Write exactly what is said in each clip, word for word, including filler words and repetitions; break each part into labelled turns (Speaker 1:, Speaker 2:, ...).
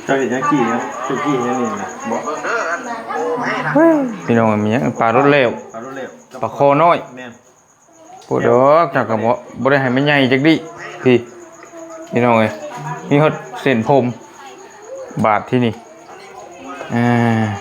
Speaker 1: เจ้าเห็นยังกี่นะเจ้ากี่ยังนี่นะบอก
Speaker 2: พี่น้องมีหยังปลารสเลว
Speaker 1: ปลารถเร็ว
Speaker 2: ปลาคอน้อย
Speaker 1: แม่น
Speaker 2: ปวดดอกจากกับบ่บ่ได้ให้มันใหญ่จักดิพี่พี่น้องเอ้ยมีฮอดเส้นผมบาดที่นี่อ่า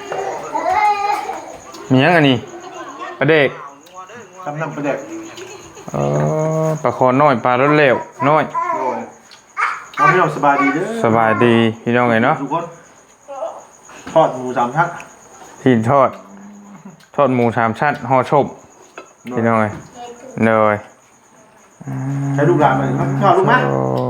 Speaker 2: มีหยังอันนี้ปลาเด็ก
Speaker 1: ทำน้ำปลาแดก
Speaker 2: เออปลาคอน้อยปลารสเลวน้อย
Speaker 1: โอ้ยเอาพี่น้องสบายดีเด้อ
Speaker 2: สบายดีพี่น้องเอ้ยเนาะ
Speaker 1: ทุกคนทอดหมูสามชั้น
Speaker 2: ที่ทอดทอดหมูสามชั้นห่อชมพี่น้องเอ้ยเลย
Speaker 1: ใช้ลูกหลานมาทอดลูกมั้ย
Speaker 2: โอ้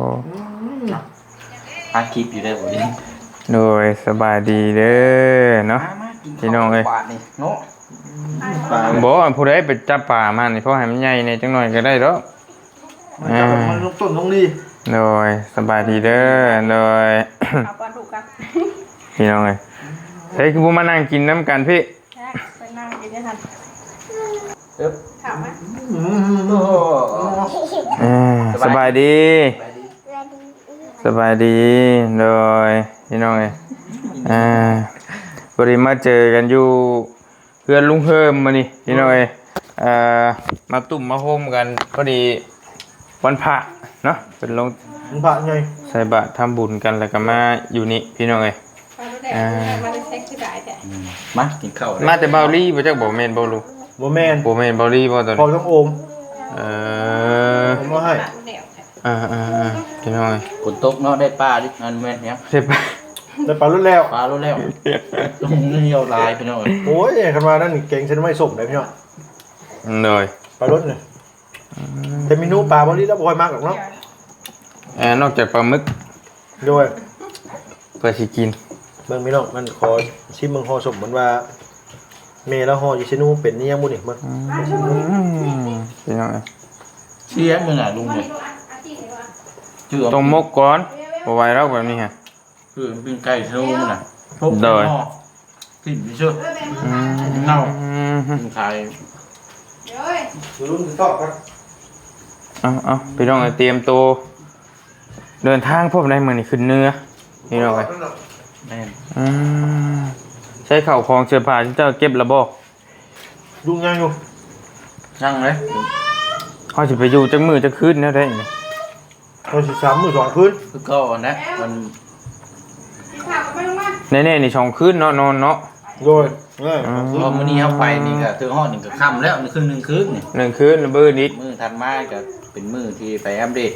Speaker 3: อาคลิปอยู่ได้บ่ดิ
Speaker 2: โดยสบายดีเด้อเนาะพี่น้องเอ้ย
Speaker 3: บาทนี่เนาะ
Speaker 1: ปลา
Speaker 2: บ่ว่าผู้ใดไปจับป่ามานี่เพราะให้มันใหญ่ในจังหน่อยก็ได้ดอก
Speaker 1: มันลงต้นลงนี่
Speaker 2: โดยสบายดีเด้อโดย
Speaker 4: เอาปลาดุกกัน
Speaker 2: พี่น้องเอ้ยเฮ้ยคือบ่มานั่งกินน้ำกันพี่
Speaker 4: ไปนั่งกินได้ทัน
Speaker 3: เอ๊บ
Speaker 4: ถามไหม
Speaker 1: อืม
Speaker 3: โอ้
Speaker 2: อ่าสบายดี สบายดีโดยพี่น้องเอ้ยอ่าพอดีมาเจอกันอยู่เพื่อนลุงเฮิมมานี่พี่น้องเอ้ยอ่ามาตุ่มมาโฮมกันพอดีวันพระเนาะเป็นลง
Speaker 1: มันผ่านไง
Speaker 2: ใส่บาตรทำบุญกันแล้วก็มาอยู่นี่พี่น้องเอ้ย
Speaker 4: ปลาดุกแดงมันจะเซ็กซี่ได้แต่
Speaker 3: มากินข้าว
Speaker 2: มาแต่เบาลี่บ่จักบ่แม่นบ่ลูก
Speaker 1: โมแมน
Speaker 2: บ่แม่นเบาลี่บ่ตอน
Speaker 1: พอ
Speaker 2: นี้
Speaker 1: ต้องโอม
Speaker 2: เออ
Speaker 1: ผมมาให้
Speaker 4: ปลาดุกแดง
Speaker 2: อ่าๆๆพี่น้องเอ้ย
Speaker 3: ฝนตกเนาะได้ปลาดิอันแม่นเนี่ย
Speaker 2: เสร็จไป
Speaker 1: ได้ปลารุ่นแล้ว
Speaker 3: ปลารู้แล้วตรงนี้เหี่ยวลายพี่น้อง
Speaker 1: โอ้ยคันมานั่นเก่งฉันไม่ส่งเลยพี่น้อง
Speaker 2: เลย
Speaker 1: ปลารุ่นเนี่ยแต่เมนูปลาบริแล้วบ่อยมากหรอกเนาะ
Speaker 2: เอ่อนอกจากปลาหมึก
Speaker 1: โดย
Speaker 2: เพื่อสิกิน
Speaker 1: เบิ่งพี่น้องมันขอชิมเบิ่งห่อสมเหมือนว่าเมแล้วห่ออยู่ชินูเป็นนี่ยังบ่นี่เบิ่ง
Speaker 2: อืมพี่น้องเอ้ย
Speaker 3: เชียร์มึงอ่ะลุงเนี่ยชื่อ
Speaker 2: ต้องมกก่อนบ่ไหวแล้วแบบนี้ฮะ
Speaker 3: คือเป็นไก่ชะโลมน่ะทุบกลิ่นไม่เชื่อ
Speaker 2: อืม
Speaker 3: เน่า
Speaker 2: อืม
Speaker 3: เป็นไข่
Speaker 4: เดี๋ยวเอ้ย
Speaker 1: รุ่นตอบครับ
Speaker 2: เอาเอาพี่น้องเอ้ยเตรียมตัวเดินทางพบได้มื้อนี้ขึ้นเหนื้อพี่น้องเอ้ย
Speaker 3: แม่น
Speaker 2: อืมใช้ข้าวของเสื้อผ้าที่เจ้าเก็บแล้วบ่
Speaker 1: ลุงยังอยู่
Speaker 3: ช่างเลย
Speaker 2: เฮาสิไปอยู่จักมื้อจักคืนแนวใดนี่
Speaker 1: เราสิสามมื้อสองคืน
Speaker 3: คือก็นะมัน
Speaker 4: ถามไปลงมา
Speaker 2: แน่ๆนี่สองคืนเนาะนอนเนาะ
Speaker 1: โดยเออ
Speaker 3: พอมื้อนี้เฮาไปนี่ก็ถึงฮอดนี่ก็ค่ำแล้วนี่ครึ่งนึงคืนนี่
Speaker 2: หนึ่งคืนแล้วมื้อนิด
Speaker 3: มื้อถัดมาก็เป็นมื้อที่ไปอัปเดต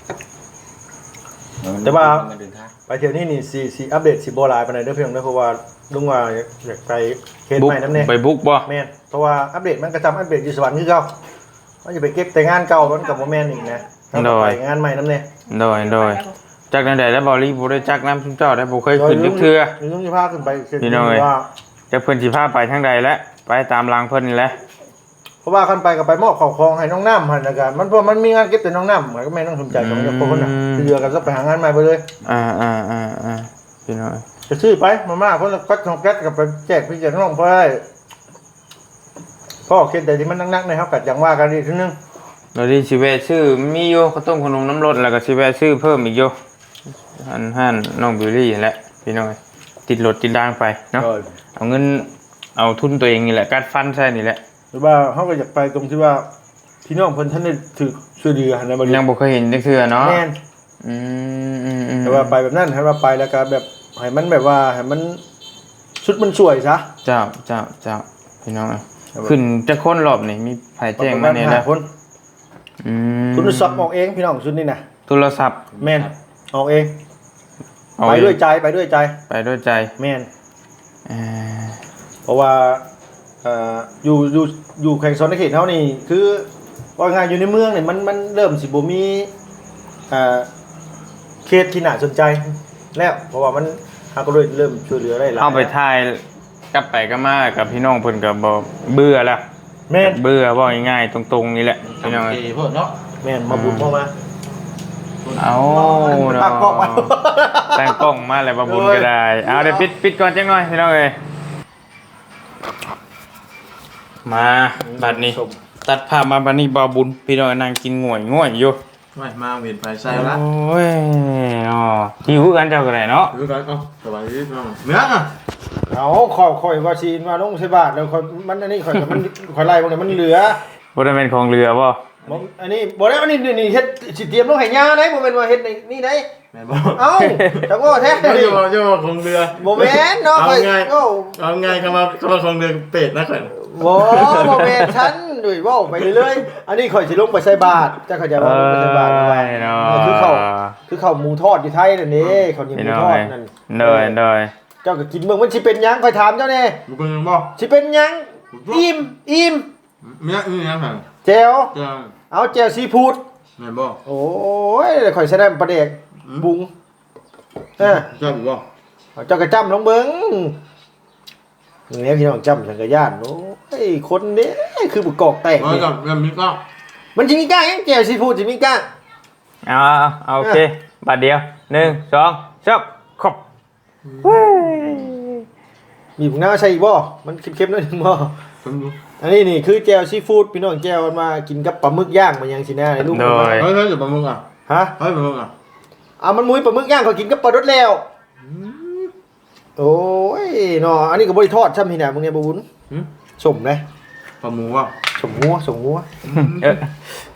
Speaker 3: เดินทาง
Speaker 1: ไปเที่ยวนี้นี่สิสิอัปเดตสิบ่หลายปานใดเด้อพี่น้องเด้อเพราะว่าลุงว่าอยากไปเขต
Speaker 2: บุก
Speaker 1: ใหม่นำแน่
Speaker 2: ไปบุกบ่
Speaker 1: แม่นเพราะว่าอัปเดตมันก็จำอัปเดตอยู่สวรรค์คือเก่าว่าจะไปเก็บแต่งานเก่ามันก็บ่แม่นอีกนะต้องไปงานใหม่นำแน่
Speaker 2: โดยโดยจากนั้นใดแล้วบ่รีบ่ได้จักน้ำซุมเจ้าได้บ่เคยขึ้นจักเทื่อ
Speaker 1: ลุงสิพาขึ้นไปเส้น
Speaker 2: พี่น้องเอ้ย
Speaker 1: ว่า
Speaker 2: จักเพิ่นสิพาไปทางใดแล้วไปตามรางเพิ่นนี่แหละ
Speaker 1: เพราะว่าคันไปก็ไปมอบข้าวของให้น้องน้ำหั่นแล้วกันมันเพราะมันมีงานเก็บแต่น้องน้ำมันก็แม่นต้องสนใจของเจ้าคนน่ะเรือกันซะไปหางานใหม่ไปเลย
Speaker 2: อ่าอ่าอ่าอ่าพี่น้อง
Speaker 1: จะซื้อไปมาม่าคนละกัดของแก๊สกับไปแจกพี่แจกน้องเพื่อให้พ่อคิดแต่ที่มันนักๆนะครับกัดอย่างว่ากันดีทีนึง
Speaker 2: เราดีสิแวะซื้อมีอยู่ข้าวต้มขนมน้ำรสแล้วก็สิแวะซื้อเพิ่มอีกอยู่หันหันน้องบิวลี่นั่นแหละพี่น้องติดรถติดด่างไปเนาะเอาเงินเอาทุนตัวเองนี่แหละกัดฟันใช่นี่แหละ
Speaker 1: หรือว่าเขาก็อยากไปตรงที่ว่าพี่น้องเพิ่นท่านได้ถือช่วยเหลือในบริ
Speaker 2: ยังบ่เคยเห็นจักเทื่อเนาะ
Speaker 1: แม่น
Speaker 2: อืมอืมอืม
Speaker 1: แต่ว่าไปแบบนั้นให้ว่าไปแล้วก็แบบให้มันแบบว่าให้มันชุดมันสวยซะ
Speaker 2: เจ้าเจ้าเจ้าพี่น้องขึ้นจะค้นรอบนี่มีไผแจ้งมาเนี่ย
Speaker 1: ป
Speaker 2: แล้
Speaker 1: ระ
Speaker 2: ว
Speaker 1: ณคน
Speaker 2: อืม
Speaker 1: คุณสอบออกเองพี่น้องชุดนี้นะ
Speaker 2: โทรศัพท์
Speaker 1: แม่นออกเอง
Speaker 2: เอา
Speaker 1: ไปด้วยใจไปด้วยใจ
Speaker 2: ไปด้วยใจ
Speaker 1: แม่น
Speaker 2: เอ่อ
Speaker 1: เพราะว่าเอ่ออยู่อยู่อยู่แข่งโซนในเขตเท่านี่คือว่าไงอยู่ในเมืองเนี่ยมันมันเริ่มสิบ่มีเอ่อเขตที่น่าสนใจแล้วเพราะว่ามันเฮาก็เลยเริ่มช่วยเหลือได้หลาย
Speaker 2: เข้าไปถ่ายกลับไปก็มากับพี่น้องเพิ่นก็บ่เบื่อแล้ว
Speaker 1: แม่น
Speaker 2: เบื่อว่าง่ายๆตรงๆนี่แหละพี่น้อง
Speaker 3: โอเคเพิ่นเนาะ
Speaker 1: แม่นมาบุญเข้ามา
Speaker 2: เอา
Speaker 1: ตั้งกล้องมา
Speaker 2: ตั้งกล้องมาแล้วบ่บุญก็ได้เอาเดี๋ยวปิดปิดก่อนจังหน่อยพี่น้องเอ้ยมาบัดนี้ ตัดภาพมาบัดนี้บ่บุญพี่น้องนั่งกินง่วยง่วยอยู่
Speaker 3: ไม่มาเวียนไปใส่ละ
Speaker 2: โอ้ยอ๋อหิวกันเจ้าก็ได้เนาะ
Speaker 3: ดูกันเอ้าสบายดีน้องเนื้ออ่ะ
Speaker 1: เอาขอยข่อยว่าซีนมาลงใส่บาทแล้วข่อยมันอันนี้ข่อยก็มันข่อยไล่บ่ได้มันเหลือ
Speaker 2: บ่ได้เป็นของเรือบ่
Speaker 1: บ่อันนี้บ่ได้อันนี้นี่เฮ็ดสิเตรียมลงให้ยาได้บ่แม่นว่าเฮ็ดในนี่ได้
Speaker 3: แม่บอก
Speaker 1: เอ้าจังว่าแท้
Speaker 3: ไม่
Speaker 1: ดิ
Speaker 3: ใช่บอกใช่บอกของเรือ
Speaker 1: บ่แม่นเนาะ
Speaker 3: เอา
Speaker 1: ข่อย
Speaker 3: ไง
Speaker 1: โอ้
Speaker 3: เอาไงคำว่าคำว่าของเรือเป็ดนะข่อย
Speaker 1: บ่บ่แม่นฉันด้วยเว้าไปเรื่อยๆอันนี้ข่อยสิลงไปใส่บาทจักเขาจะ
Speaker 2: เอ
Speaker 1: ว่าลงไปใส่บาทว่า
Speaker 2: ้ยเนาะ
Speaker 1: เออคือเขาคือเขาหมูทอดอยู่ไทยนั่นนี่เขาวเหนี่ยวห
Speaker 2: พี่
Speaker 1: มู
Speaker 2: น้อง
Speaker 1: ทอด
Speaker 2: เอ้ย
Speaker 1: นั่น
Speaker 2: โดยโดย
Speaker 1: เจ้าก็กินเบิ่งมันสิเป็นหยังข่อยถามเจ้าแน่
Speaker 3: มึงเป็นยังบ่
Speaker 1: สิเป็นหยังอิ่มอิ่ม
Speaker 3: เมียนี่ยังไง
Speaker 1: แจ่ว
Speaker 3: จะ
Speaker 1: เอาแจ่วซีฟู้ด
Speaker 3: แม่บ่
Speaker 1: โอ้ยข่อยใส่ได้ปลาเด็กบุงเออ
Speaker 3: จะอยู่บ่
Speaker 1: เอาเจ้ากระจ้ำลงเบิ่งเนี่ยพี่น้องจ้ำสังกะยานโอ้ยคนนี้คือบุกกอกแตก
Speaker 3: เออ
Speaker 1: เนี่ย
Speaker 3: กับเรื่องนี้ก็
Speaker 1: มันจิมีก้างยังแจ่วซีฟู้ดจิมีก้าง
Speaker 2: เอาเอาเอาโอเคบาทเดียวหนึ่งสองสามขอบเฮ้ย
Speaker 1: มีผงหน้าใช่อีกบ่มันเค็มๆหน่อยหนึงบ่
Speaker 3: ผมดู
Speaker 1: อันนี้นี่คือแจ่วซีฟู้ดพี่น้องแจ่วมันมากินกับปลาหมึกย่างมันยังสินะไอ้ลูก
Speaker 2: โด
Speaker 1: มันมาย
Speaker 3: เฮ้ยเฮ้ยอยู่ปลาหมึกอ่ะ
Speaker 1: ฮะ
Speaker 3: เฮ้ยปลาหมึกอ่ะ
Speaker 1: เอามันมุ้ยปลาหมึกย่างเขากินกับปลาดดแล้วโอ้ยเนาะอันนี้ก็บ่ได้ทอดช่ำพี่น่ะมึงเนี่ยบ่บุญ
Speaker 3: หืม
Speaker 1: สมเลย
Speaker 3: ปลาหมูว่ะ
Speaker 1: สมงัวสมงัว
Speaker 2: เออ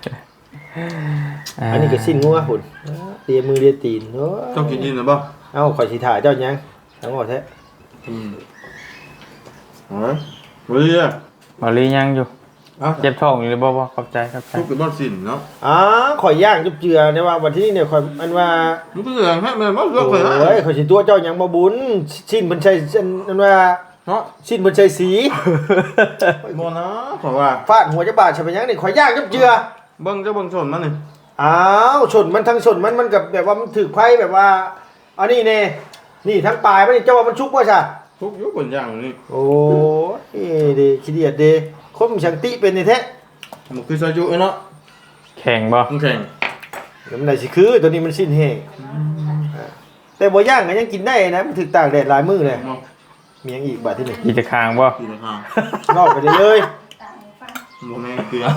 Speaker 1: อันนี้ก็สิ้นงัวหุ่นเลียมือเลียตีนโอ้ย
Speaker 3: ต้องกินยินหรือเปล่า
Speaker 1: เอ้าข่อยสิถ่ายเจ้าหยังทั้งหมดแท้
Speaker 3: อืมอ๋อวันนี้อ่ะ
Speaker 2: บอลลี่ยังอยู่
Speaker 3: เอ้า
Speaker 2: เจ็บท้องอยู่หรือบ่บ่ขอบใจขอบใจ
Speaker 3: ทุกเป็นบ้านสินเนาะ
Speaker 1: อ๋อข่อยย่างจุบเจือเนี่ยว่าวันที่นี่เนี่ยข่อยอันว่า
Speaker 3: มันก็อย่างให้แม่มาเลือก
Speaker 1: โอ้
Speaker 3: เลยนะ
Speaker 1: ยข่อยสิตัวเจ้าหยังบ่บุญสิ้นเพิ่นใช้อันว่า
Speaker 3: เนาะ
Speaker 1: สิ้นเพิ่นใช้สี
Speaker 3: โมนะเพราะว่า
Speaker 1: ฟาดหัวจะบาดใช่ไหมยังนี่ข่อยย่างจุบเจือ
Speaker 3: เบิ้งเจ้าเบิ้งชนมันนี่
Speaker 1: อ้าวชนมันทั้งชนมันมันกับแบบว่ามันถือไผแบบว่าอันนี้แน่นี่ทั้งปลายมันนี่เจ้าว่ามันชุกบ่ซะ
Speaker 3: ทุกยุคบนอย่างนี้
Speaker 1: โอ้ยเด้ขี้เดียดเด้คมชังติเป็นนี่แท้
Speaker 3: มันคือซาจุเนาะ
Speaker 2: แข่งบ่
Speaker 3: มันแข่ง
Speaker 1: แล้วมันได้สิคือตัวนี้มันสิ้นแห้งแต่บ่ย่างก็ยังกินได้นะมันถึกตากแดดหลายมื้อเลย
Speaker 3: มอง
Speaker 1: มีหยังอีกบาดที่นี่
Speaker 2: กีจะคางบ่
Speaker 3: ตีราคา
Speaker 1: ลอกไปเลยเลย
Speaker 3: โมแม่เกลือ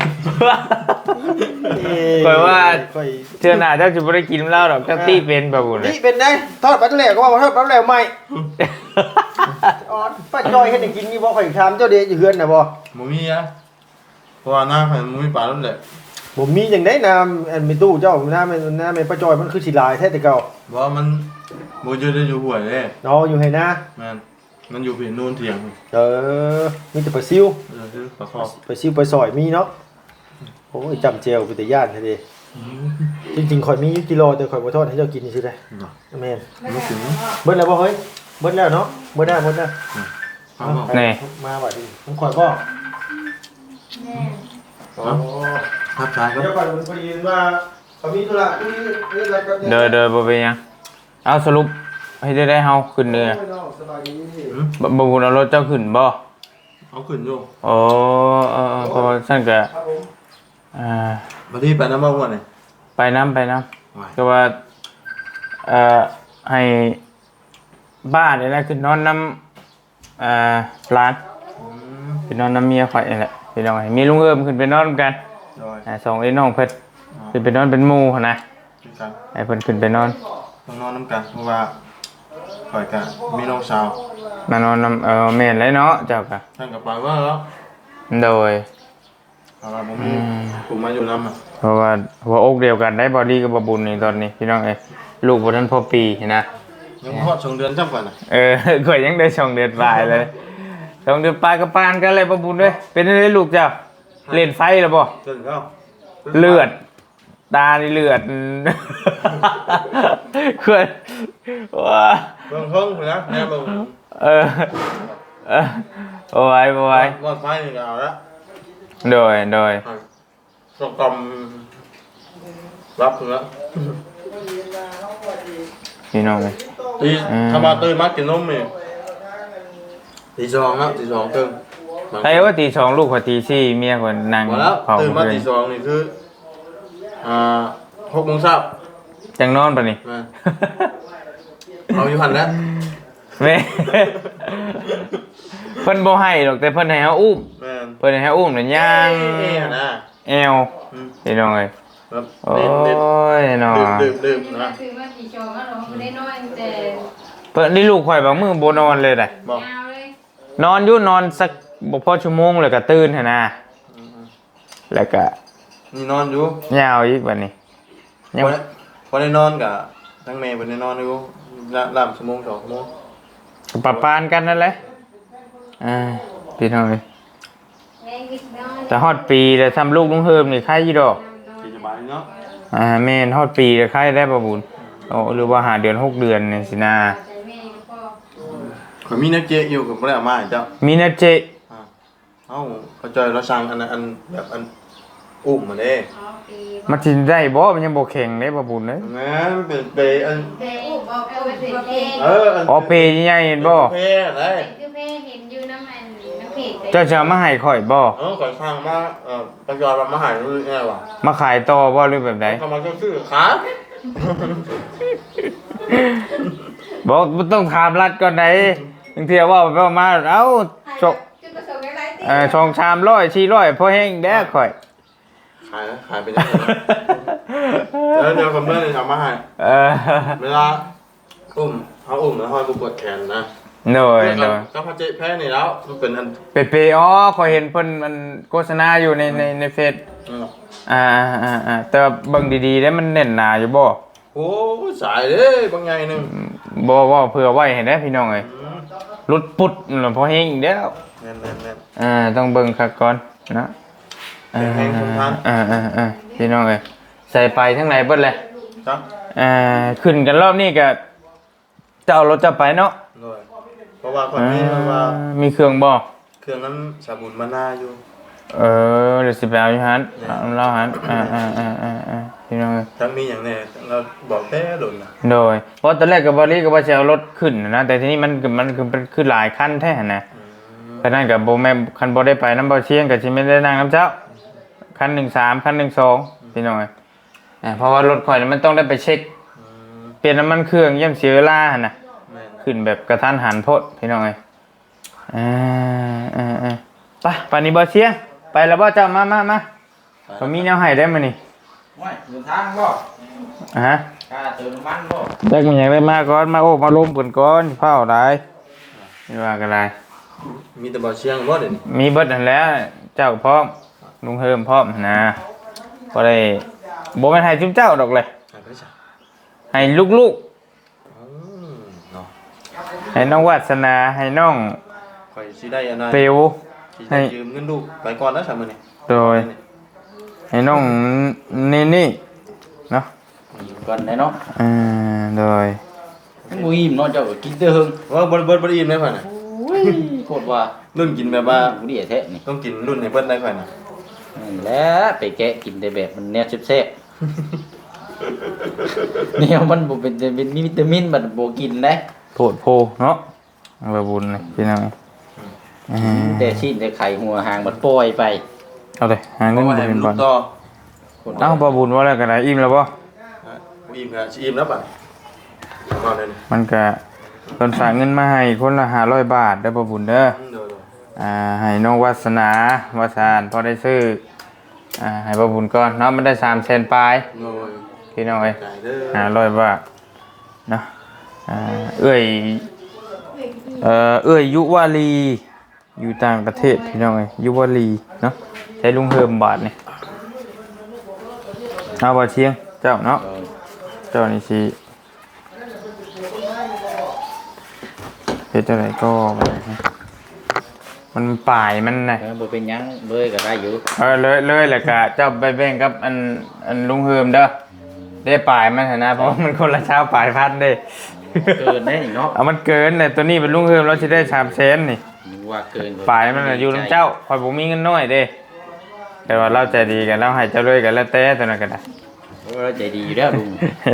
Speaker 2: ข่อยว่า
Speaker 1: ข่อย
Speaker 2: เทื่อหน้าเจ้าสิบ่ได้กินเหล้าดอกเจ้าตี้เป็นบ่บุญเลย
Speaker 1: นี่เป็นไงทอดปลาทะเลก็ว่าทอดปลาทะเลใหม่อ๋อป้าจอยเฮ็ดให้กินอยู่บ่ข่อยถามเจ้าเดชอยู่เฮือนน่ะบ่
Speaker 3: โมมีอะเพราะว่าหน้าข่อยมันมีปลาแล้วแหละ
Speaker 1: บ่มีจังได๋น้ำอันมีตู้เจ้าน้ำน้ำป้าจอยมันคือสิหลายแท้แต่เก่า
Speaker 3: เพราะว่ามันโมจะได้อยู่ห่วยเลย
Speaker 1: เนาะอยู่ให้นะ
Speaker 3: แมนมันอยู่ผิวนูนเถียง
Speaker 1: เออมีแต่ปลาซิว
Speaker 3: เออคือปลาคอบ
Speaker 1: ปลาซิวปลาซอยมีเนาะโอ้ยจำเจลเป็นแต่ย่านแท้เด้จริงๆข่อยมีอยู่กิโลแต่ข่อยบ่ทอดให้เจ้ากินซื่อๆได้
Speaker 3: เนาะ
Speaker 1: แม่น
Speaker 3: ไม่ถึง
Speaker 1: เบิดแล้วบ่เฮ้ยเบิดแล้วเนาะเบิดแล้วเบิดแล้ว
Speaker 3: ฟังบอก
Speaker 2: นี่
Speaker 1: มาบัดนี้ผมข่อยบ่
Speaker 4: แม่
Speaker 1: อ๋อ
Speaker 3: ทับชายครับ
Speaker 1: เดี๋ยวก่อนพอดีว่าเขามีธุระที่นี่แล้วก็
Speaker 2: เด้อเด้อบ่เป็นหยังเอาสรุปให้ได้ได้เฮาขึ้นเนื้อ
Speaker 1: สบายดี
Speaker 2: บ่บ่บุญเอารถเจ้าขึ้นบ่
Speaker 3: เอาขึ้นอยู่
Speaker 2: โอ้เออเพราะว่าซั่นก็
Speaker 1: ครับผม
Speaker 2: อ่า
Speaker 3: มาที่ไปน้ำมันวันนี่
Speaker 2: ไปน้ำไปน้
Speaker 3: ไหว
Speaker 2: ำก็ว่าเอ่อให้บ้านนี่แหละคือนอนน้ำอ่าร้านคือนอนน้ำเมียข่อยนี่แหละพี่น้องให้มีลุงเอิ้มขึ้นไปนอนกัน
Speaker 3: โดย
Speaker 2: อ่าสองไอ้น้องเพิ่นขึ้นไปนอนเป็นหมู่หั่นนะ
Speaker 3: คือกัน
Speaker 2: ให้เพิ่นขึ้นไปนอน
Speaker 3: ต้องนอนน้ำกันเพราะว่าข่อยกะมีน้องสาว
Speaker 2: มานอนน้ำเออแม่นเลยเนาะเจ้าก็
Speaker 3: ท่านกับไปว่าแล้ว
Speaker 2: โดย
Speaker 3: เอาละผมมีผมมาอยู่น้ำอ่ะ
Speaker 2: เพราะว่าหัวอกเดียวกันได้บอดี้กับบบุญนี่ตอนนี้พี่น้องเอ้ยลูกบ่ทันพอปีนะ
Speaker 3: ยังทอดสองเดือนจับกันอ่ะ
Speaker 2: เออ ข่อยยังได้สองเดือนปลายเลยสองเดือนปลายก็ปานกันเลยบบุญเด้ยเป็นจังไดลูกเจ้าเล่นไฟแล้วบ่
Speaker 3: เกินเข้า
Speaker 2: เลือด ตานี่เลือด เขื่อนว้า
Speaker 3: เบิ่งเพิ่งนะแม่เบิ่ง
Speaker 2: เออเออโอ้ยโอ้ย
Speaker 3: รอดไฟนี่ก็เอาละ
Speaker 2: โดยโดย
Speaker 3: สกรมรับถึงแล้ว
Speaker 2: พี่น้องเลย
Speaker 3: ตีทำมาตื่นมากินนมนี่ตีสองแล้วตีสองตื่น
Speaker 2: ใครว่าตีสองลูกกว่าตีสี่เมียคนนั่ง
Speaker 3: หมดแล้ว
Speaker 2: เผา
Speaker 3: ตื่นมา
Speaker 2: เล
Speaker 3: ตี
Speaker 2: ย
Speaker 3: สองนี่คืออ่าหกโมงเช้า
Speaker 2: จังนอนปะนี่
Speaker 3: แม่เอาอยู่หันแล้ว
Speaker 2: แม่ เพิ่นบ่ให้หรอกแต่เพิ่นให้เฮาอุ้ม
Speaker 3: แม่
Speaker 2: เพิ่นให้เฮาอุ้มน่ะย่าง
Speaker 3: เอ๊ะนะ
Speaker 2: แอวพี่น้องเอ้ย
Speaker 1: แบบ
Speaker 2: โอ้
Speaker 1: เน้น
Speaker 2: ยเนาะ
Speaker 1: ๆดื่มดื่มๆนะ
Speaker 4: คือว่ากี่ชองก็ร้องไม่ได้น้อยแต่
Speaker 2: เพิ่นนี่ลูกข่อยบางมื้อบ่นอนเลยได้
Speaker 1: บอก
Speaker 4: ยาวเลย
Speaker 2: นอนอยู่นอนสักบ่พอชั่วโมงแล้วก็ตื่นหั่นนะแล้วก็
Speaker 1: นี่นอนอยู่
Speaker 2: ยาวอีกบัดนี้ยัง
Speaker 1: พอได้พอได้นอนกับทั้งแม่พอได้นอนอยู่ละลามชั่วโมงสองชั่วโมง
Speaker 2: ปะปานกันนั่นแหละอ่าพี่น้องเอ้ย
Speaker 4: แม่กินน้อย
Speaker 2: แต่ฮอดปีแล้วทำลูกลุงเฮิมนี่ใครอยู่ดอก
Speaker 1: กินสบายเนาะ
Speaker 2: อ่าแม่นฮอดปีแล้วใครได้บ่บุญโอ้หรือว่าหาเดือนหกเดือนนี่สินะ
Speaker 4: ใจแม่ก็พอ
Speaker 1: ข่อยมีนักเจอยู่กับบ่ได้เอามาให้เจ้า
Speaker 2: มีนะเจ
Speaker 1: อ่าเอ้าเขาจอยเราสั่งอันนั้นอันแบบอันอุ้มมาเด้
Speaker 4: อ๋อปี
Speaker 2: มันสิได้บ่มันยังบ่แข็งเด้บ่บุญเด้ย
Speaker 1: แม่นเป็นไปอัน
Speaker 4: เด็กอุบบอกเอาไปเป็นเพลง
Speaker 1: เอออัน
Speaker 2: อ๋อเปใหญ่ๆเห็นบ่
Speaker 1: เพอะไร
Speaker 4: คือเพลงเห็นอยู่น้ำมันน้ำเพจ
Speaker 2: เจ้าจะเอามาให้ข่อยบ่
Speaker 1: เออข่อยสั่งมาเอ่อปัจจุบันมาหารู้ไงวะ
Speaker 2: มาขายต่อบ่หรือแบบใด
Speaker 1: ทำมาซื้อขา
Speaker 2: บ่บ่ต้องถามรัดก่อนไดบางเที่ยว่าไปว่ามาเอ้าชก
Speaker 4: จุดประสงค์อะไรตี
Speaker 2: เอ่อชองชามร้อยสี่ร้อยพอแห้งแด้ข่อย
Speaker 1: ขายขายไปได้แล้วเดี๋ยวกับเพื่อนจะทำมาให้
Speaker 2: เออ
Speaker 1: เวลาอุ้มเขาอุ้มแล้วเขาก็ปวดแขนนะ
Speaker 2: หน่อย
Speaker 1: เพื่อน
Speaker 2: หน่อย
Speaker 1: ก็พอเจ๊แพ้นี่แล้วมันเป็นอัน
Speaker 2: เปเปอ๋อขอยเห็นเพิ่นมันโฆษณาอยู่ในในในเฟซ
Speaker 1: อืม
Speaker 2: อ่าอ่าอ่าแต่ว่าเบิ่งดีๆแล้วมันแน่นหนาอยู่บ่
Speaker 1: โอ้สายเด้บางไงหนึ่ง
Speaker 2: บ่ว่าเผื่อไว้ให้ได้พี่น้องเอ้ยรุดปุดนั่นพอแห้งอีกแล้ว
Speaker 1: แน่นแน่นแน่น
Speaker 2: อ่าต้องเบิ่งคักก่อนนะ
Speaker 1: แห้งๆทนทาน
Speaker 2: อ่าอ่าอ่าพี่น้องเอ้ยใส่ไปทั้งไหนเบิดเลย
Speaker 1: ครับ
Speaker 2: อ่าขึ้นกันรอบนี้ก็เจ้ารถจะไปเนาะ
Speaker 1: เลยเพราะว่าคนนี้ว่า
Speaker 2: มีเครื่องบ่
Speaker 1: เครื่องนั้นสาบุนมานาอยู่
Speaker 2: เออเดี๋ยวสิไปเอาอยู่หันเอาเราหันอ่าอ่าอ่าอ่าอ่าพี่น้องเอ้ย
Speaker 1: ทั้งมีอย่างแน่เราบอกแท้หล่นนะ
Speaker 2: โดยเพราะตอนแรกกับบริก็ว่าจะเอารถขึ้นนะแต่ทีนี้มันมันคือเป็นคือหลายขั้นแท้นะเพราะนั้นกับโบแม่คันโบได้ไปน้ำเบาเชียงกับชิไม่ได้นั่งน้ำเจ้าขั้นหนึ่งสามขั้นหนึ่งสองพี่น้องอ่าเพราะว่ารถข่อยมันต้องได้ไปเช็คเปลี่ยนน้ำมันเครื่องเยี่ยมเสียเวลาหั่นนะ
Speaker 1: แม่น
Speaker 2: ขึ้นแบบกระทันหันโพดพี่น้องอ่าอ่าอ่าไปปานนี้เบาเชียงไปแล้วบ่เจ้ามามามาผมมีแนวให้ได้มานี่
Speaker 3: ว้ายเดินทางบ่
Speaker 2: อ่าฮะ
Speaker 3: ค่าเติมน้ำมันบ่
Speaker 2: ได้มันอย่างได้มาก่อนมาโอ้มาล้มกันก่อนเผาได้ไม่ว่ากันไร
Speaker 1: มีแต่บ่อเชียงบ่เด่น
Speaker 2: มีเบิดนั่นแหล้วเจ้าพร้อมลุงเฮิมพร้อมนะก็ได้บ่แม่นให้จุ๊มเจ้าดอกเลย
Speaker 1: หายไปจ้ะ
Speaker 2: ให้ลูก
Speaker 1: อืมเนาะ
Speaker 2: ๆให้น้องวาสนาให้น้อง
Speaker 1: ข่อยสิได้อันนั้น
Speaker 2: เปว
Speaker 1: สิได้ยืมเงินลูกไปก่อนนะสามมื้อนี้
Speaker 2: โดยให้น้องนี่นี่เนาะ
Speaker 3: ก่อนได้เนาะ
Speaker 2: อ่าโดย
Speaker 3: บ่อิ่มเนาะเจ้าก็กินเด้อเฮิง
Speaker 1: ว่าบ่บ่บ่ได้อิ่มได้ข่อยน่ะ
Speaker 3: โคตรว่า
Speaker 1: รุ่นกินแบบว่า
Speaker 3: บ่ดีแท้นี่
Speaker 1: ต้องกินรุ่นให้เบิดได้ข่อยน่ะ
Speaker 3: นั่นแหละไปแกะกินได้แบบมันแนวแซ่บๆ เนี่ยมันบ่เป็นเป็นมีวิตามินบัดบ่กินได้
Speaker 2: โพดโพเนาะบาบุญเลยพี่น้องอ่า
Speaker 3: แต่ชิ้นแต่ไข่หัวหางบัดปล่อยไป
Speaker 2: เอาเลยหา
Speaker 1: เพ
Speaker 2: เงิน
Speaker 1: ราะว่า
Speaker 2: บ่
Speaker 1: ให้
Speaker 2: เป็
Speaker 1: มัน น
Speaker 2: บ
Speaker 1: ลู
Speaker 2: อล
Speaker 1: กต่อ
Speaker 2: เอ้าบาบุญว่าแล้วกันนะอิ่มแล้วบ่
Speaker 1: อ่ะบ่อิ่มก็สิอิ่มแล้วบัดเอาเลยนี่
Speaker 2: มันก็ตนฝากเงินมาให้คนละห้าร้อยบาทได้อบ่บุญเด้อ
Speaker 1: อืมเดี๋ยว
Speaker 2: อ่าให้น้องวาสนาวาสานพอได้ซื้ออ่าให้บ่บุญก่อนเนาะมันได้สามแสนปลาย
Speaker 1: ๆโอ้ย
Speaker 2: พี่น้องเอ้ย
Speaker 1: ได้เด้อ
Speaker 2: ห้าร้อยบาทเนาะอ่าเอ้ยเอ่อเอ้ยยุวาลีอยู่ต่างประเทศพี่น้องเอ้ยยุวาลีเนาะใช้ลุงเฮิมบาทนี่เอาบ่เชียงเจ้าเนาะเจ้านี่สิเฮ็ดจังไดก็บ่ได้นะมันป่ายมันน่ะ
Speaker 3: เออบ่เป็นหยังเบยก็ได้อยู่
Speaker 2: เออเลยเลยแหละกะเจ้าไปแบ่งกับอันอันลุงเฮิมเด้อได้ปลายมันเถอะนะเพราะว่ามันคนละเช้าปลายพันเด้
Speaker 3: เกินได้นี่เนาะ
Speaker 2: เอามันเกินเลยตัวนี้เป็นลุงเฮิมเราจะได้สามเซนนี่
Speaker 3: นึกว่าเกิน
Speaker 2: ปลายมันน่ะอยู่น้ำเจ้าคอยผมมีเงินน้อยเด้แต่ว่าเราใจดีกันเราให้เจ้าเลยกันแล้วแต่ตัวนั้นกันนะ
Speaker 3: โอ้ยใจดีอยู่แล้วลุง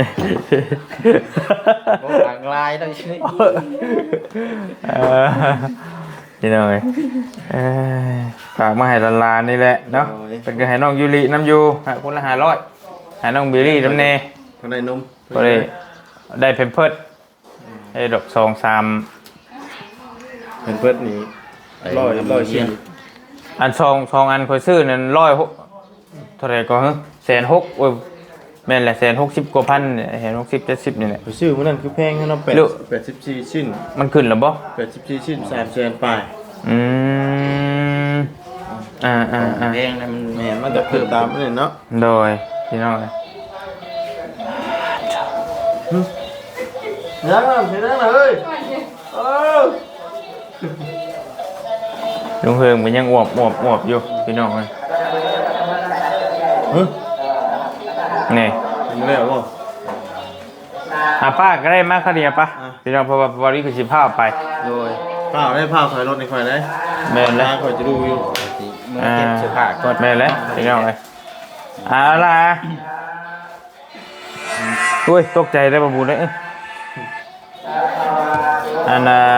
Speaker 3: บ่ทางลายได้ใช่
Speaker 2: เออนี่หน่อยเอ้ยฝากมาให้ลานๆนี่แหละเนาะเป็นก็ให้น้องยูริน้ำยูให้คนละห้าร้อยให้น้องบิลลี่น้ำเน
Speaker 1: ข้างในนม
Speaker 2: ก็ได้ได้เพมเพิร์ดให้ดอกสองสาม
Speaker 1: เป็นเพิ่นนี่ร้อยร้อยชิ้น
Speaker 2: อันซองซองอันคอยซื้อนั่นร้อยหกเท่าไหรก็ฮะแสนหกโอ้ยแม่นแหละแสนหกสิบกว่าพันเนี่ยแสนหกสิบเจ็ดสิบนี่แหละ
Speaker 1: ไปซื้อมื้อนั้นคือแพงให้เนาะแปด
Speaker 2: ลูก
Speaker 1: แปดสิบสี่ชิ้น
Speaker 2: มันขึ้นแล้วบ่
Speaker 1: แปดสิบสี่ชิ้นสามแสนปลาย
Speaker 2: อืมอ่าอ่าอ่า
Speaker 3: แพงนะมัน
Speaker 1: แม่นมันก็ขึ้นตามนี่เนาะ
Speaker 2: โดยพี่น้องเอ้ย
Speaker 1: ยังน่ะเห็นแล้วน่ะเฮ้ยเออ
Speaker 2: ลุงเฮิงมันยังอวบอวบอวบอยู่พี่น้องเอ้ย
Speaker 1: เฮ้ย
Speaker 2: นี่
Speaker 1: เห็นแล้วบ่
Speaker 2: อ่ะป้าก็ได้มาคดีป่ะ
Speaker 1: อ่ะ
Speaker 2: พี่น้องเพราะว่าบริคือสิพาไป
Speaker 1: โดยข้าวได้ข้าวขายรถในข่อยได้
Speaker 2: แม่นแล้ว
Speaker 1: ข่อยจะดูอยู่
Speaker 3: มือเก็บเสื้อผ้าก่อน
Speaker 2: แม่นแล้วพี่น้องเอ้ยเอาล่ะอุ้ยตกใจได้บ่บุญเลยเอ้ยอันน่ะ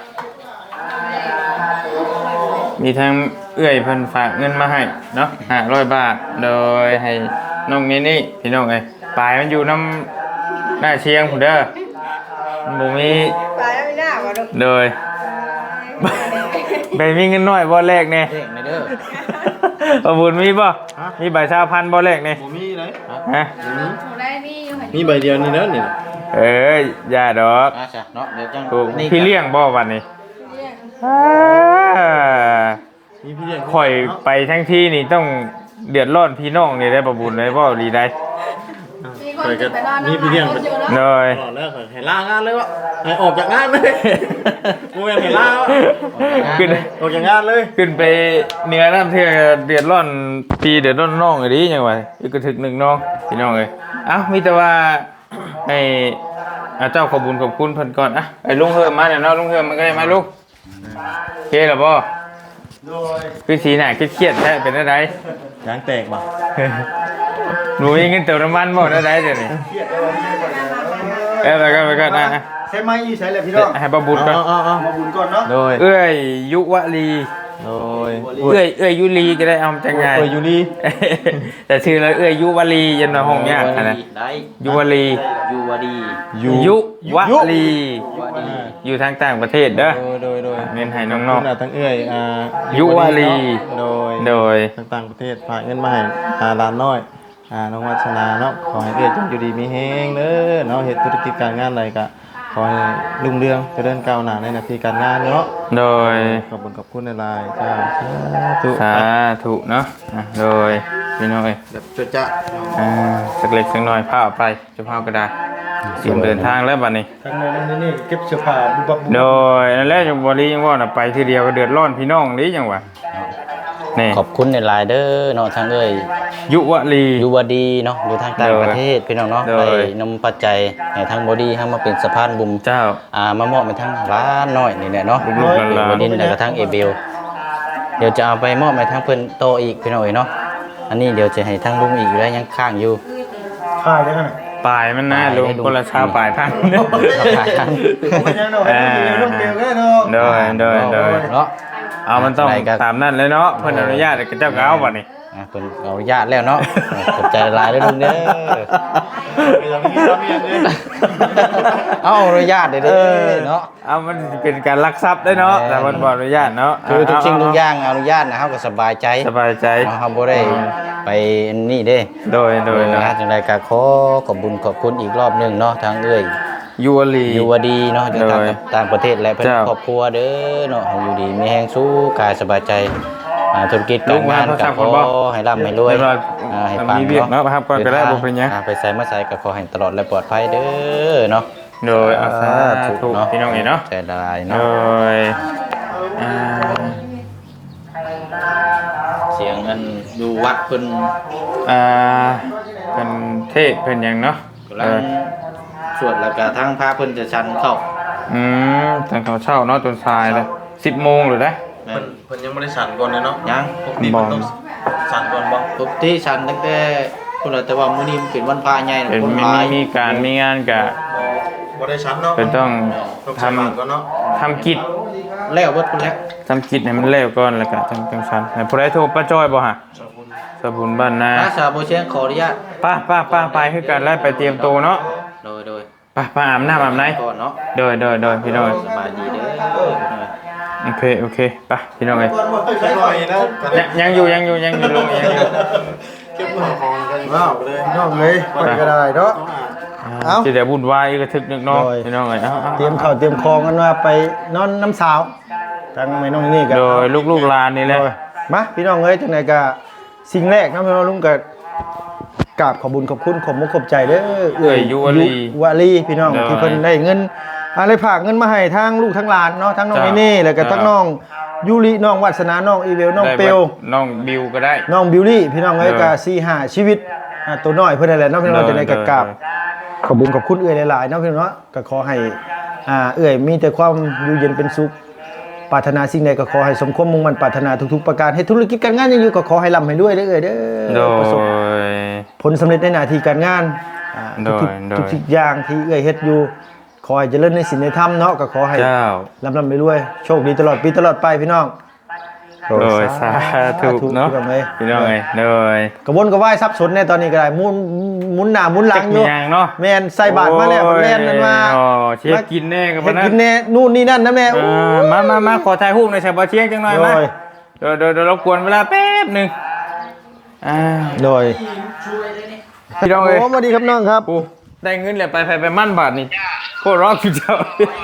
Speaker 2: มีทั้งเอื้อยเพิ่นฝากเงินมาให้เนาะห้าร้อยบาทโดยให้น้องนี่นี่พี่น้องเอ้ยปลายมันอยู่น้ำหน้าเชียงพุ่นเด้อมันบ่มี
Speaker 4: ตายแล้วไม่น่าว่ะลูก
Speaker 2: โดยไปมีเงินน้อยบ่แรกแน่
Speaker 3: เด็กในเด้อ
Speaker 2: บ่บุญมีบ่มีใบชาพันธุ์บ่แรกแน่
Speaker 1: บ่มีเลย
Speaker 2: ฮะ
Speaker 1: บ่มี
Speaker 4: หนูได้มีอยู่หัน
Speaker 1: มีใบเดียวนี่แล้วนี่
Speaker 2: เอ้ยอย่าดอก
Speaker 3: มาจ้ะเนาะเดี๋ยวจัง
Speaker 2: ถูก
Speaker 3: นี่
Speaker 2: พี่เลี้ยงบ่วันนี้
Speaker 4: เรียก
Speaker 2: อ่า
Speaker 1: มีพี่เลี้ยง
Speaker 2: ข่อยไปทั้งที่นี่ต้องเดือดร้อนพี่น้องนี่ได้บ่บุญได้บ่ดีได้
Speaker 4: มีคนจะไปนอน
Speaker 1: มีพี่เลี้ยง
Speaker 4: คนอยู่เนาะ
Speaker 2: โดย
Speaker 1: ตลอดแล้วข่อยให้ลางานเลยวะให้ออกจากงานเลยกูยังให้ลาวะ
Speaker 2: ขึ้น
Speaker 1: ออกจากงานเลย
Speaker 2: ขึ้นไปเหนือน้ำเทือเดือดร้อนพี่เดือดร้อนน้องอีดีจังหวะอีกกระถึกหนึ่งน้องพี่น้องเอ้ยเอ้ามีแต่ว่าให้อ่าเจ้าขอบุญขอบคุณเพิ่นก่อนอ่ะไอ้ลุงเฮิมมาเนี่ยเนาะลุงเฮิมมันก็ได้มาลูกโอเคแล้วบ่
Speaker 1: โดย
Speaker 2: คือสีหน้าเครียดๆแท้เป็นอะไร
Speaker 1: ยางแตกบ่
Speaker 2: หนูมีเงินเติมน้ำมันบ่ได้ได้เดี๋ยวนี้
Speaker 1: เครียดเลยวันนี้ก่อน
Speaker 2: เอ้ยไปก่อนไปก่อนนะ
Speaker 1: ใช้ไม้อีใช้เลยพี่น้อง
Speaker 2: ให้ประบุญก่อน
Speaker 1: เอาเอามาบุญก่อนเนาะ
Speaker 2: โดยเอ้ยยุวลี
Speaker 1: โดย
Speaker 2: เอ้ยเอ้ยยุลีก็ได้เอาจังไง
Speaker 1: เอ้ยอยู่นี่
Speaker 2: แต่ชื่อเลยเอ้ยยุวลียันมาห้องเนี้ยนะ
Speaker 3: ได้
Speaker 2: ยุวลี
Speaker 3: ยูวดี
Speaker 2: ยุวลี
Speaker 3: วดี
Speaker 2: อยู่ทางต่างประเทศเด้อ
Speaker 1: โดยโดยโดย
Speaker 2: เงินให้น้อง
Speaker 1: ขนาดทั้งเอ้ยอ่า
Speaker 2: ยุวลี
Speaker 1: โดย
Speaker 2: ๆโดย
Speaker 1: ต่างๆประเทศฝากเงินมาให้อ่าร้านน้อยอ่าน้องวัชนาเนาะขอให้เอ้ยจงอยู่ดีมีแฮงเด้อเนาะเฮ็ดธุรกิจการงานอะไรก็ขอให้รุ่งเรืองเจริญก้าวหน้าในหน้าที่การงานเนาะ
Speaker 2: โดย
Speaker 1: ขอบคุณขอบคุณในไลน์จ้าสาธุ
Speaker 2: สาธุเนาะอ่ะโดยพี่น้อย
Speaker 1: แบบจะจะ
Speaker 2: อ่าสักเล็กสักน้อยพาออกไปจะพาก็ได้เตรียมเดินทางแล้วบัดนี้
Speaker 1: ทางในนั้นนี่เก็บเสื้อผ้าบุบบับบุบ
Speaker 2: โดยนั่นแหละจังบ่ลียังว่าน่ะไปทีเดียวก็เดือดร้อนพี่น้องนี้จังหวะนี่
Speaker 3: ขอบคุณในไลน์เด้อเนาะทางเอ้ย
Speaker 2: ยุวลี
Speaker 3: ยูวดีเนาะอยู่ทางต่างประเทศพี่น้องเนาะ
Speaker 2: โด
Speaker 3: ไป
Speaker 2: ย
Speaker 3: นำปัจจัยให้ทางบอดี้ให้มาเป็นสะพานบุญ
Speaker 2: เจ้า
Speaker 3: อ่ามามอบไปทางร้านน้อยนี่แหละเนาะ
Speaker 2: ลูกๆหลานๆ
Speaker 3: บอดี้แล้วก็ทางเอเบลเดี๋ยวจะเอาไปมอบไปทางเพิ่นโตอีกพี่น้องเอ้ยเนาะอันนี้เดี๋ยวจะให้ทางลุงอีกอยู่แล้วยังข้างอยู่
Speaker 1: ผ้าจังไง
Speaker 2: ปลายมันน่า
Speaker 3: ปลาย
Speaker 2: ลง
Speaker 3: ให้ลุง
Speaker 2: คนละชาวปลายพัน
Speaker 3: ราคาทาง
Speaker 1: ผมยังโดนต้องเกลียวก็ได้เนาะ
Speaker 2: โดยโดยโดย
Speaker 3: เนาะ
Speaker 2: เอามันต้อง
Speaker 3: ไหนก็
Speaker 2: ตามนั่นเลยเนาะเพิ่นอนุญาตให้เจ้าก็เอาบัดนี้
Speaker 3: อ่ะเพิ่นเอาอนุญาตแล้วเนาะขอบใจหลายเด้อลุงเด้อ
Speaker 1: เรามีเรามีอย่างนี้
Speaker 3: เอาอนุญาตเด้อเด้อเนาะ
Speaker 2: เอามันสิเป็นการลักทรัพย์ได้เนาะแต่มันบ่อนุญาตเนาะ
Speaker 3: คือทุกสิ่งทุก
Speaker 2: เ
Speaker 3: อย่างอนุญาตนะเฮาก็สบายใจ
Speaker 2: สบายใจ
Speaker 3: เฮาบ่ได้ไปอันนี่เด้
Speaker 2: โดยโดยโดย
Speaker 3: นะจังไดก็ขอขอบคุญขอบคุณอีกรอบหนึงเนาะทางเอ้ย
Speaker 2: ยูวลี
Speaker 3: อยู่ว่าดีเนาะจากต่าง
Speaker 2: โดย
Speaker 3: ต่างประเทศและเพื่อน
Speaker 2: เจ้า
Speaker 3: ครอบครัวเด้อเนาะให้อยู่ดีมีแฮงสู้กายสบายใจอ่าธุรกิจการงาน
Speaker 2: ลูกมา
Speaker 3: กับ
Speaker 2: พระ
Speaker 3: ขอ
Speaker 2: เจ้าก่อนบ่
Speaker 3: ให้ร่ำให้รวย
Speaker 2: เรียบร้อย
Speaker 3: อ่าให้
Speaker 2: มัน
Speaker 3: ปัง
Speaker 2: มีเวียกเนาะครับก่อนก็ได้
Speaker 3: ดิทาง
Speaker 2: บ่เป็นหยัง
Speaker 3: อ่าไปใส่มาใส่ก็ขอให้ตลอดและปลอดภัยเด้อเนาะ
Speaker 2: โดยอาสาธุพี่น้องเอ๋เนาะ
Speaker 3: ใจละลาย
Speaker 2: โด
Speaker 3: เนาะ
Speaker 2: ยอ่า
Speaker 3: เสียงอันอยู่วัดเพิ่น
Speaker 2: อ่าเป็นเทศเป็นหยังเนาะ
Speaker 3: กำลังสวดแล้วก็ทั้งพระเพิ่นจะชันเข้า
Speaker 2: อืมแต่เขาเช่าเนาะจนทรายเลยสิบโมงหรือได้
Speaker 3: แม่
Speaker 1: เพิ่
Speaker 3: น
Speaker 1: นเพิ่นยังไม่ได้สั่นก่อนเลยเนาะ
Speaker 3: ยัง
Speaker 1: ปกติมันต้องสั่นก่อนบ่
Speaker 3: ปกติชันตั้งแต่พุ่นน่ะแต่ว่ามื้อนี้มันเป็นวันพระใหญ่น่ะ
Speaker 2: เป็น
Speaker 3: คน
Speaker 2: มี
Speaker 3: หลาย
Speaker 2: มีการมีงานกะ
Speaker 1: บ่ได้สั่นเนาะ
Speaker 2: เป็นต้อง
Speaker 1: ต้อง
Speaker 2: ท
Speaker 1: สั่นก่อนเนาะ
Speaker 2: ำทำกิจ
Speaker 3: แล้วเบิดพุ่นแล้ว
Speaker 2: ทำกิจให้มันเร็วก่อนแล้วก็จังจังซันให้ผู้ใดโทรป้าจ้อยบ่ฮะสบุญบ้านนา
Speaker 3: อาสาบ่เชียงขออนุญาต
Speaker 2: ป้าป้าป้าไปคือกันแล้วไปเตรียมตัวเนาะ
Speaker 3: โดยโดย
Speaker 2: ไป้าป้าอาบน้ำอาบไหน
Speaker 3: ก่อนเนาะ
Speaker 2: โดยโดยโดยพี่น้อง
Speaker 3: สบายดีเด้อ
Speaker 2: โอเคโอเคไป้าพี่น้องเอ้ย
Speaker 1: ก่อนบ่ใช้หน่อยนะ
Speaker 2: ยังยังอยู่ยังอยู่ยังอยู่ลงยังอยู่
Speaker 1: เก็บว้าวน้องเลยไปก็ได้เนาะ เอ้า
Speaker 2: สิได้วุ่นวายกระทึกนึกเนาะ
Speaker 1: โดย
Speaker 2: พี่น้องเอ้ยเอ้า
Speaker 1: เตรียมข้าวเตรียมของกันว่าไปนอนน้ำสาวทางแม่น้องนี่กัน
Speaker 2: โดยลูกๆหลานนี่แหละ
Speaker 1: มาพี่น้องเอ้ยจังไดก็สิ่งแรกนะพี่น้องลุงก็กราบขอบคุญขอบคุณขอบมุกขอบใจเด้อ
Speaker 2: เอ้ยยุวลี
Speaker 1: ยุวลีพี่น้อง
Speaker 2: โดย
Speaker 1: ที่เพิ่นได้เงินอะไรฝากเงินมาให้ทางลูกทั้งหลานเนาะทั้งน้อง
Speaker 2: จ้ะ
Speaker 1: เนเน่แล้วก็
Speaker 2: จ้ะ
Speaker 1: ทั้งน้องยูริน้องวัฒนาน้องอีเวลน้อง
Speaker 2: ได้
Speaker 1: เปลว
Speaker 2: น้องบิวก็ได้
Speaker 1: น้องบิวลี่พี่น้องเอ้ย
Speaker 2: เออ
Speaker 1: ก็สี่ห้าชีวิตอ่าตัวน้อยเพิ่นนั่นแหละเนาะพี่น้อง
Speaker 2: เออ
Speaker 1: จะได้กราบ
Speaker 2: เออ
Speaker 1: ขอบคุญขอบคุณเอื้อยหลายๆเนาะพี่น้องเนาะก็ขอให้อ่าเอื้อยมีแต่ความอยู่เย็นเป็นสุขปรารถนาสิ่งใดก็ขอให้สมความมุ่งมั่นปรารถนาทุกๆประการให้ธุรกิจการงานยังอยู่ก็ขอให้ร่ำให้รวยเด้อเอื้อยเด้
Speaker 2: โด
Speaker 1: อประสบ
Speaker 2: ย
Speaker 1: ผลสำเร็จในหน้าที่การงานอ่า
Speaker 2: โดย
Speaker 1: ทุก
Speaker 2: โดย
Speaker 1: ๆทุกๆอย่างที่เอื้อยเฮ็ดอยู่ขอให้เจริญในศีลในธรรมเนาะก็ขอให้
Speaker 2: เจ้า
Speaker 1: ร่ำร่ำรวยๆโชคดีตลอดปีตลอดไปพี่น้อง
Speaker 2: โดยสาธุเนาะ
Speaker 1: พี่น้องเอ้ย
Speaker 2: พี่น้องเอ้ยโดย
Speaker 1: กระวนกระวายซับสนในตอนนี้ก็ได้หมุนหมุนหน้าหมุนหลั
Speaker 2: จั
Speaker 1: ง
Speaker 2: ก
Speaker 1: อ
Speaker 2: มี
Speaker 1: ยู่
Speaker 2: หยังเนาะ
Speaker 1: แม่นใส่บาตรมาแล้วมันแล่นนั่นมา
Speaker 2: โอ้เช็คกินแน่กับ
Speaker 1: เฮ็ด
Speaker 2: นะ
Speaker 1: กินแน่นู่นนี่นั่นนะแม่
Speaker 2: เออมามามาขอถ่ายรูปหน่อยใช่บ่เชียงจังหน่อยมา
Speaker 1: โดย
Speaker 2: เดี๋ยวเดี๋ยวเดี๋ยวรบกวนเวลาแป๊บหนึงอ่า
Speaker 1: โดย
Speaker 2: พี่น้องเอ้ย
Speaker 1: โอ้สวัสดีครับน้องครับ
Speaker 2: ปูได้เงินแล้วไปไปไปมั่นบาทนี่โคตรร้องคือเจ้า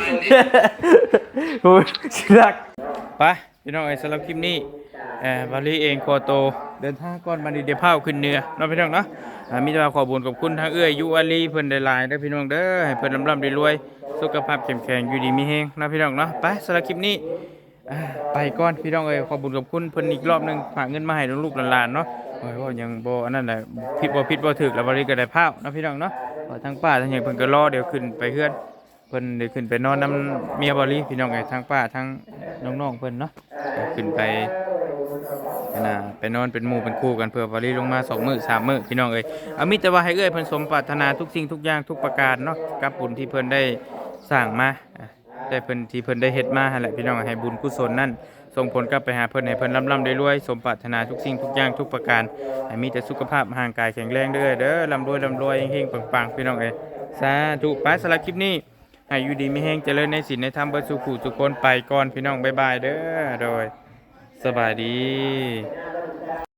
Speaker 2: โอ้ยสิรักไปพี่น้องเอ้ยสำหรับคลิปนี้เอ่อบาลีเองโคโตเดินทางก่อนบันดีเดยวพาขึ้นเหนือเนาะพี่น้องเนาะอ่ามีแต่ว่าขอบุญขอบคุณทางเอื้อยยุอาลีเพิ่นได้หลายเด้อพี่น้องเด้อให้เพิ่นร่ำๆรวยๆสุขภาพเข้มแข็งอยู่ดีมีแฮงเนาะพี่น้องเนาะไปสำหรับคลิปนี้อ่าไปก่อนพี่น้องเอ้ยขอบุญขอบคุณเพิ่นอีกรอบหนึงฝากเงินมาให้ลูกๆหลานๆเนาะโอ้ยว่ายังบ่อันนั้นแหละผิดบ่ผิดบ่ถูกแล้วบาลีก็ได้พาวเนาะพี่น้องเนาะว่าทางป้าทางหยังเพิ่นก็รอเดี๋ยวขึ้นไปเฮือนเพิ่นได้ขึ้นไปนอนนำเมียบาลีพี่น้องเอ้ยทางป้าทางน้องๆเพิ่นเนาะก็ขึ้นไป นะไปนอนเป็นหมู่เป็นคู่กันเพื่อวารีลงมาสองมื้อสามมื้อพี่น้องเอ้ยเอามิตรว่าให้เอ้ยเพิ่นสมปรารถนาทุกสิ่งทุกอย่างทุกประการเนาะกับบุญที่เพิ่นได้สร้างมาอ่ะได้เพิ่นที่เพิ่นได้เฮ็ดมาหั่นแหละพี่น้องให้บุญกุศลนั่นส่งผลกลับไปหาเพิ่นให้เพิ่นร่ำๆได้รวยสมปรารถนาทุกสิ่งทุกอย่างทุกประการให้มีแต่สุขภาพร่างกายแข็งแรงเด้อเด้อร่ำรวยร่ำรวยเฮงๆปังๆพี่น้องเอ้ยสาธุไปสำหรับคลิปนี้ให้อยู่ดีมีแฮงเจริญในศีลในธรรมเบิดสุขุทุกคนไปก่อนพี่น้องบ๊ายบายเด้อโดยสบายดี